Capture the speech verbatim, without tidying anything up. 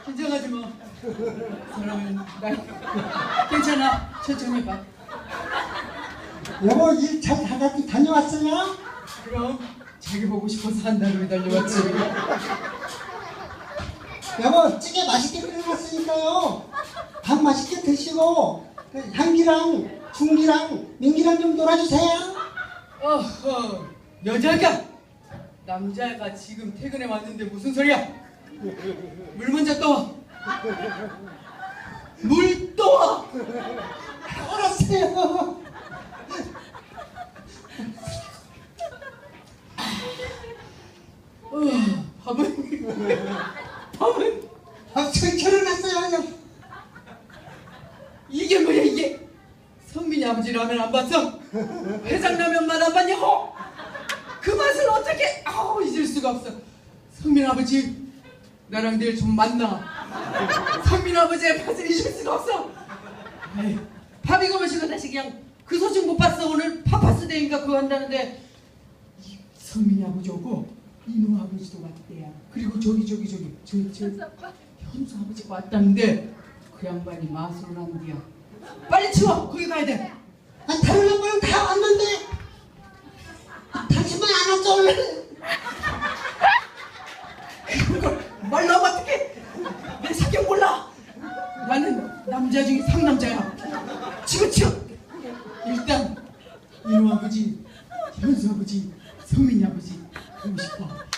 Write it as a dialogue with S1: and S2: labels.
S1: 긴장하지 마. 사람은 나 괜찮아. 천천히 해봐.
S2: 여보 일 잘 다녀왔어요?
S1: 그럼 자기 보고 싶어서 한 달을 달려왔지.
S2: 여보 찌개 맛있게 끓여놨으니까요. 밥 맛있게 드시고 향기랑 중기랑 민기랑 좀 놀아주세요.
S1: 어허, 여자가 남자가 지금 퇴근해 왔는데 무슨 소리야? 물 먼저 떠와. 물 떠와.
S2: 알았어요.
S1: 어, 밥은 밥은
S2: 아, 저 결혼했어요.
S1: 이게 뭐야 이게? 성민이 아버지 라면 안 봤어? 해장라면만 안 봤냐고? 그 맛을 어떻게 아우 잊을 수가 없어. 성민 아버지 나랑 내일 좀 만나. 성민 아버지의 맛을 잊을 수가 없어. 에이, 밥 이거 마시고 다시 그냥 그 소식 못 봤어. 오늘 파파스데이인가 그거 한다는데 이 성민이 아버지 오고 이모 아버지도 왔대야. 그리고 저기 저기 저기 저 저 현수 아버지가 왔다는데 그 양반이 마술을 한디야. 빨리 치워. 거기 가야 돼.
S2: 아, 다른 양반은 다 왔는데 당신만 안 왔어 원래.
S1: 그걸 말로 하면 어떡해. 내 사격 몰라. 나는 남자 중에 상남자야. 치워 치워. 일단 이모 아버지, 현수 아버지, 성민이 아버지 보고 싶어.